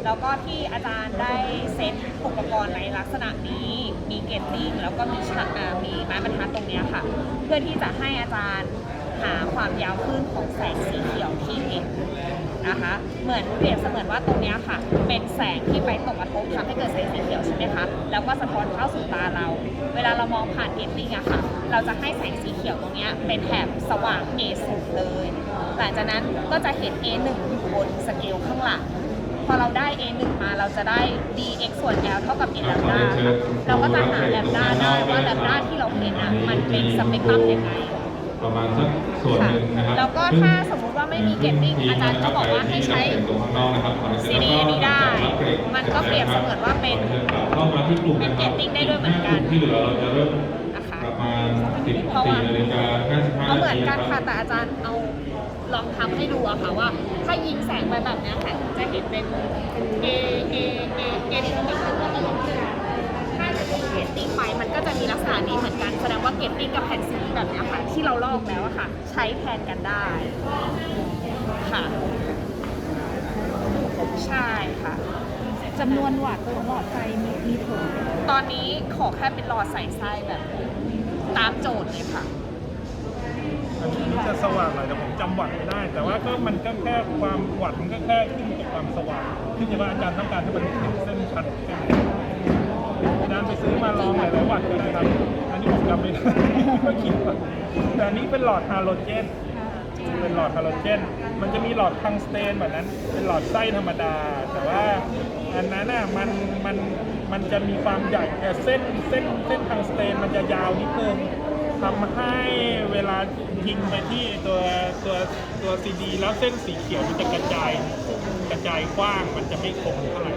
แล้วก็ที่อาจารย์ได้เซตอุปกรณ์ในลักษณะนี้มีเกตติ้งแล้วก็มีไม้บรรทัดตรงนี้ค่ะ เพื่อที่จะให้อาจารย์หาความยาวคลื่นของแสงสีเขียวที่เห็นนะคะเหมือนเปรียบเสมือนว่าตรงนี้ค่ะเป็นแสงที่ไปตกกระทบทำให้เกิดแสงสีเขียวใช่ไหมคะแล้วก็สะท้อนเข้าสู่ตาเราเวลาเรามองผ่านเกตติ้งอะค่ะเราจะให้แสงสีเขียวตรงนี้เป็นแถบสว่าง A0 เลยหลังจากนั้นก็จะเห็น A1 อยู่บนสเกลข้างหลังพอเราได้ A1 มาเราจะได้ dx ส่วน L เท่ากับ n แลมด้าค่ะเราก็จะหาแลมด้าได้ว่าแลมด้าที่เราเห็นอะมันเป็นสเปกตรัมยังไงประมาณสักส่วนหนึ่งนะครับแล้วก็ถ้าสมมุติว่าไม่มีเกตติ้งอาจารย์ก็บอกว่าให้ใช้ CD นี้ได้มันก็เปรียบเสมือนว่าเป็นเกตติ้งได้ด้วยเหมือนกันที่เหลือเราจะเริ่มนะคะประมาณ14 นาฬิกา 55 ก็เหมือนกันค่ะแต่อาจารย์เอาลองทำให้ดูอะค่ะว่าถ้ายิงแสงไปแบบนี้ค่ะจะเห็นเป็น A ที่เป็นตัวตลกถ้าจะยิงเกตติ้งไปมันก็จะมีลักษณะนี้เหมือนกันแสดงว่าเกตติ้งกับแผ่นสีแบบนี้ค่ะที่เราลอกแล้วอะค่ะใช้แทนกันได้ค่ะใช่ค่ะจำนวนวัตต์ของหลอดไฟมีผลตอนนี้ขอแค่เป็นหลอดใส่ไส้แบบตามโจทย์เลยค่ะอันนี้จะสว่างหน่อยแต่ผมจำวัตต์ไม่ได้ แต่ว่าก็มันก็แค่ความวัตต์มันก็แค่ขึ้นกับความสว่างขึ้นอยู่ว่าอาจารย์ต้องการให้มันเห็นเส้นชัดแค่ไหนอาจารย์ไปซื้อมาลองหลายๆวัตต์ก็ได้ครับอันนี้ผมจำไม่ได้ก็คิดว่าแต่อันนี้เป็นหลอดฮาโลเจนเป็นหลอดฮาโลเจนมันจะมีหลอดทังสเตนแบบนั้นเป็นหลอดไส้ธรรมดาแต่ว่าอันนั้นน่ะมันจะมีความใหญ่แต่เส้นทังสเตนมันจะยาวนิดนึงทำให้เวลายิงไปที่ตัวซีดีแล้วเส้นสีเขียวมันจะกระจายกว้างมันจะไม่คมเท่าไหร่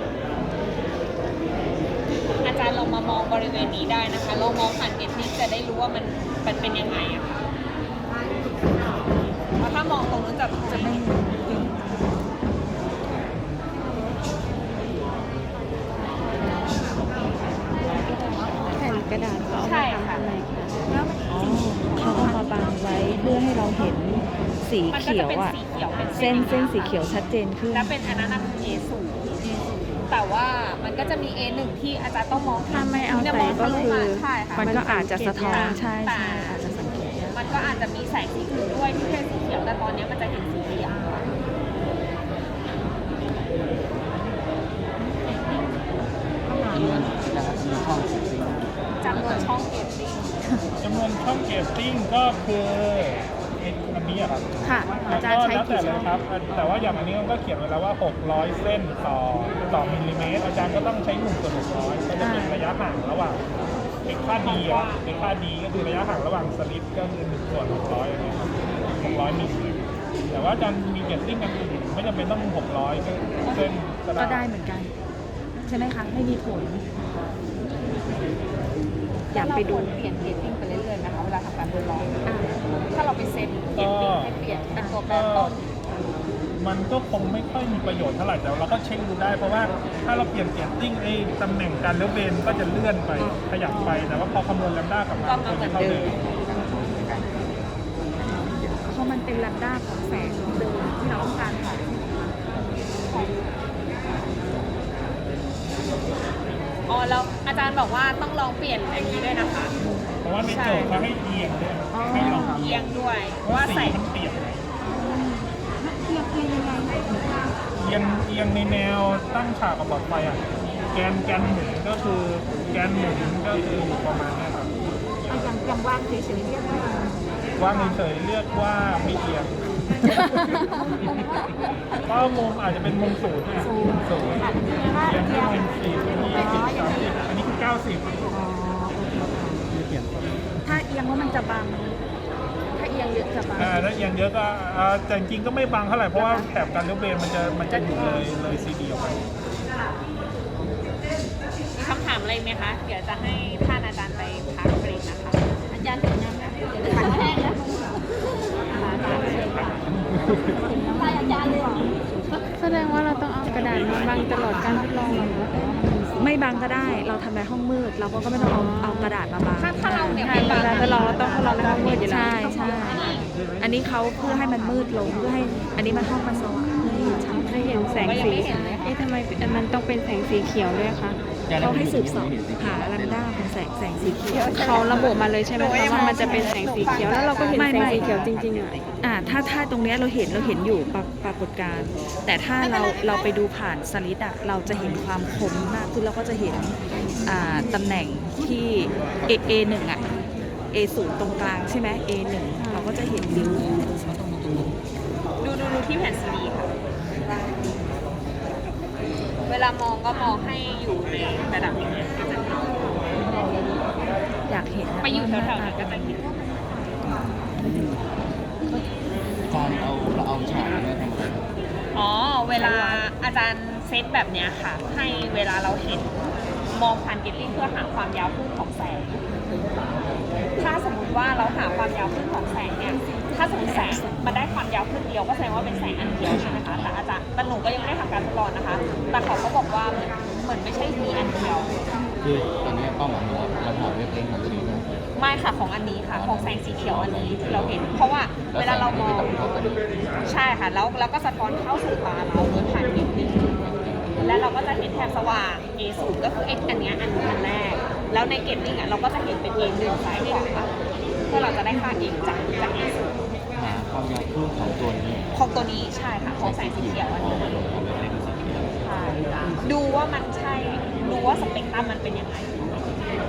อาจารย์ลองมามองบริเวณนี้ได้นะคะลองมองผ่านเกตติ้งจะได้รู้ว่ามันเป็นยังไงอะค่ะเพราะถ้ามองตรงนู้นจะไม่แผ่นกระดาษเขาใช่ค่ะเขาเอามาบังไว้เพื่อให้เราเห็นสีเขียวอ่ะเส้นสีเขียวชัดเจนขึ้นและเป็นอันนั้นคือ A0 แต่ว่ามันก็จะมี A1 ที่อาจารย์ต้องมองถ้าไม่เอาใส่ก็คือมันก็อาจจะสะท้อนใช่อาจจะสังเกตมันก็อาจจะมีแสงสีอื่นด้วยที่เป็นสีเขียวแต่ตอนนี้มันจะเห็นสีเหลืองจำนวนช่องเกตติ้งจำนวนช่องเกตติ้งก็คืออันนี้ครับค่ะอาจารย์ใช้กี่ช่องครับแต่ว่าอย่างอันนี้มันก็เขียนไว้แล้วว่า600เส้นต่อมิลลิเมตรอาจารย์ก็ต้องใช้1/600ก็จะเป็นระยะห่างระหว่างค่าดีก็คือระยะห่างระหว่างสลิปก็คือ1/600อันนี้ครับ600มิลลิเมตรแต่ว่าอาจารย์มีเกตติ้งกันอื่นไม่จำเป็นต้อง600เส้นก็ได้เหมือนกันใช่ไหมคะไม่มีผลอยากไปดูเปลี่ยนเกตติ้งไปเรื่อยๆนะคะเวลาทำการทดลองถ้าเราไปเซตเกตติ้งให้เปลี่ยนเป็นตัวแปรต้นมันก็คงไม่ค่อยมีประโยชน์เท่าไหร่แต่เราก็เช็คดูได้เพราะว่าถ้าเราเปลี่ยนเกตติ้งตำแหน่งการเลี้ยวเบนก็จะเลื่อนไปขยับไปแต่ว่าพอคำนวณแลมด้ากลับมาก็เหมือนเดิมเพราะมันเป็นแลมด้าของแสงเดิมที่เราต้องการค่ะอ๋อแล้วอาจารย์บอกว่าต้องลองเปลี่ยนอย่างนี้ด้วยนะคะเพราะว่าในโจทย์เขาให้เอียงด้วยให้ลองเอียงด้วยว่าใส่มันเปลี่ยนเอียงยังไงเอียงในแนวตั้งฉากกับหลอดไฟอ่ะแกนหมุนก็คืออยู่ประมาณนี้ครับอย่างวางเฉยๆเรียกว่าว่างเฉยๆเรียกว่าไม่เอียงก็มุมอาจจะเป็นมุมศูนย์เนี่ยศูนย์อย่างที่เป็น40 20 30อันนี้คือ90 ถ้าเอียงว่ามันจะบังถ้าเอียงเยอะจะบังถ้าเอียงเยอะก็แต่จริงก็ไม่บังเท่าไหร่เพราะว่าแถบการเลี้ยวเบนมันจะอยู่เลยซีดีออกไปมีคำถามอะไรไหมคะเดี๋ยวจะให้ท่านอาจารย์ไปพักเบรกนะคะอาจารย์ถึงน้ำนะเดี๋ยวจะพักแห้งนะแสดงว่าเราต้องเอากระดาษมาบังตลอดการทดลองไม่บังก็ได้เราทำในห้องมืดเราก็ไม่ต้องเอากระดาษมาบังถ้าเราเนี่ยไม่บังทดลองเราต้องทดลองในห้องมืดอยู่แล้วใช่อันนี้เขาเพื่อให้มันมืดลงเพื่อให้อันนี้มันห้องมันสว่างเพื่อให้ชัดจะเห็นแสงสีเอ๊ะทำไมมันต้องเป็นแสงสีเขียวด้วยคะเขาให้สืบสอบหาลัมด้าของแสงสีเขียวเขาระบุมาเลยใช่ไหมคะว่ามันจะเป็นแสงสีเขียวแล้วเราก็เห็นแสงสีเขียวจริงๆอ่ะถ้าตรงเนี้ยเราเห็นอยู่ปรากฏการณ์แต่ถ้าเราไปดูผ่านสลิดอะเราจะเห็นความคมมากขึ้นเราก็จะเห็นตำแหน่งที่ A1 อะ A0 ตรงกลางใช่ไหม A1 เราก็จะเห็นริ้วดูที่แผ่นซีดีค่ะ เวลามองก็มองให้อยู่ในระดับอย่างเงี้ยก็จะเห็นอยากเห็นไปอยู่แถวๆนั้นก็จะเห็นตอนเราเอาฉากเนี่ยทำอะไรอ๋อ เวลาอาจารย์เซตแบบเนี้ยค่ะ ให้เวลาเราเห็นมองผ่านเกตติ้งเพื่อหาความยาวคลื่นของแสง ถ้าสมมุติว่าเราหาความยาวคลื่นของแสงเนี่ย ถ้าสมมติแสงมันได้ความยาวคลื่นเดียวก็แสดงว่าเป็นแสงอันเดียวใช่ไหมคะ แต่อาจารย์แต่หนูก็ยังไม่ได้ทำการทดลองนะคะ แต่เขาก็บอกว่าเหมือนไม่ใช่มีอันเดียวคือตอนนี้เป้าหมายของเราหาเว็บเองของตัวนี้นะไม่ค่ะของอันนี้ค่ะของแสงสีเขียวอันนี้ที่เราเห็น เพราะว่าเวลาเรามองใช่ค่ะแล้วก็สะท้อนเข้าสู่ตาเราโดยผ่านเกตติ้งและเราก็จะเห็นแถบสว่าง A0 ก็คือ X อันเนี้ยอันแรก แล้วในเกตติ้งอ่ะเราก็จะเห็นเป็น A1 ซ้ายขวาเพื่อเราจะได้ค่า X จาก A0 หาความยาวคลื่นของตัวนี้ของตัวนี้ใช่ค่ะของแสงสีเขียวอันนี้ใช่ดูว่ามันใช่ดูว่าสเปกตรัมมันเป็นยังไง